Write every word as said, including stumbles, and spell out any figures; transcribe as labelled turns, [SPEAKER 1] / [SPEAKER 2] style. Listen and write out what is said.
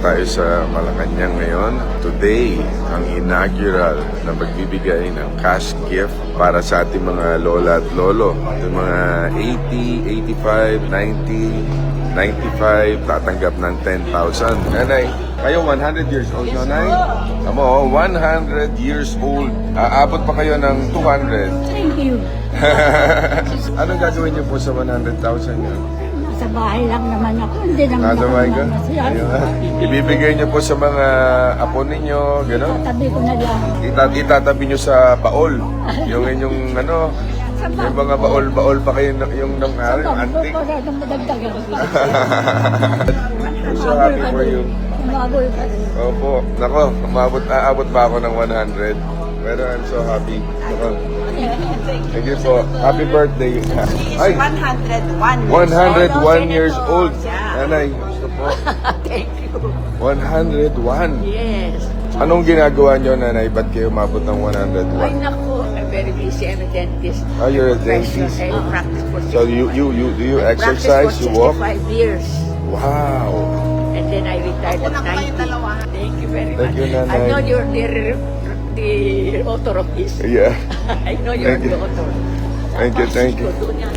[SPEAKER 1] tayo sa Malacanang ngayon. Today, ang inaugural na magbibigay ng cash gift para sa ating mga lola at lolo. Yung mga eighty, eighty-five, ninety, ninety-five, tatanggap ng ten thousand. Nanay, kayo one hundred years old, no, Nay? Amo, one hundred years old. Aabot pa kayo ng two hundred.
[SPEAKER 2] Thank you.
[SPEAKER 1] Anong gagawin niyo po sa one hundred thousand niyo?
[SPEAKER 2] Sa bahay lang naman ako. Hindi naman
[SPEAKER 1] Nasa
[SPEAKER 2] ako
[SPEAKER 1] bahay ka?
[SPEAKER 2] namasyal.
[SPEAKER 1] Ayun. Ibibigay niyo po sa mga apo ninyo, gano'n?
[SPEAKER 2] Tatabi ko na lang.
[SPEAKER 1] Ita itatabi niyo sa baol. Yung inyong ano, yung mga baol-baol pa kayo ng- yung nang
[SPEAKER 2] Sa
[SPEAKER 1] araw,
[SPEAKER 2] bangko
[SPEAKER 1] antik.
[SPEAKER 2] para nang madagdagan.
[SPEAKER 1] I'm so happy for you.
[SPEAKER 2] Umaboy pa rin.
[SPEAKER 1] Opo, nako, umabot, aabot pa ako ng one hundred. Pero I'm so happy. Nako. Thank you po. Happy birthday. Ay,
[SPEAKER 3] one hundred one
[SPEAKER 1] one hundred one years
[SPEAKER 3] Senator.
[SPEAKER 1] old.
[SPEAKER 3] Yeah.
[SPEAKER 1] Nanay, gusto po.
[SPEAKER 3] Thank you.
[SPEAKER 1] one hundred one.
[SPEAKER 3] Yes.
[SPEAKER 1] Anong ginagawa niyo, Nanay? Ba't kayo umabot ng one hundred
[SPEAKER 3] Ay,
[SPEAKER 1] one?
[SPEAKER 3] naku. I'm very busy. I'm a dentist.
[SPEAKER 1] Oh, you're a
[SPEAKER 3] Professional.
[SPEAKER 1] dentist.
[SPEAKER 3] I practice for
[SPEAKER 1] So you you you do you exercise? You walk?
[SPEAKER 3] sixty-five years.
[SPEAKER 1] Wow.
[SPEAKER 3] And then I retired at ninety. Thank you very
[SPEAKER 1] Thank
[SPEAKER 3] much.
[SPEAKER 1] you, Nanay.
[SPEAKER 3] I know you're the, the author of this.
[SPEAKER 1] Yeah.
[SPEAKER 3] I know you're
[SPEAKER 1] Thank
[SPEAKER 3] the
[SPEAKER 1] you.
[SPEAKER 3] author.
[SPEAKER 1] Thank you, thank you.
[SPEAKER 3] Doon yan.